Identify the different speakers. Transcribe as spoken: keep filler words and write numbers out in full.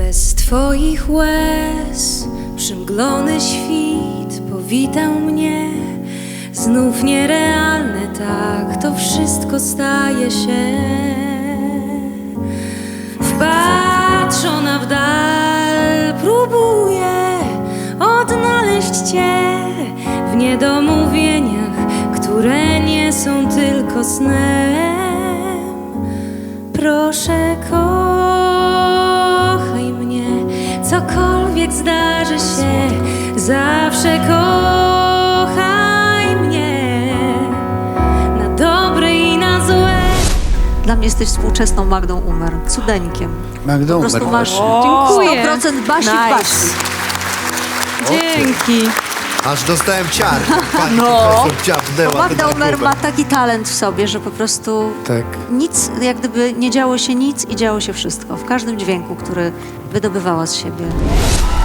Speaker 1: Bez twoich łez przymglony świt powitał mnie. Znów nierealne, tak to wszystko staje się. Wpatrzona w dal próbuję odnaleźć cię w niedomówieniach, które nie są tylko snem. Proszę, kochaj mnie, cokolwiek zdarzy się, zawsze kochaj mnie, na dobre i na złe.
Speaker 2: Dla mnie jesteś współczesną Magdą Umer, cudeńkiem.
Speaker 3: Magdą
Speaker 2: Po prostu
Speaker 3: Umer.
Speaker 2: masz
Speaker 1: Dziękuję.
Speaker 2: sto procent Basi w
Speaker 1: Nice.
Speaker 2: Basi.
Speaker 1: Dzięki.
Speaker 3: Aż dostałem ciar. Pani
Speaker 2: No.
Speaker 3: profesor ciapnęła
Speaker 2: Magda
Speaker 3: ten
Speaker 2: Umer ma
Speaker 3: kubek.
Speaker 2: taki talent w sobie, że po prostu
Speaker 3: Tak.
Speaker 2: nic, jak gdyby nie działo się nic i działo się wszystko. W każdym dźwięku, który wydobywała z siebie.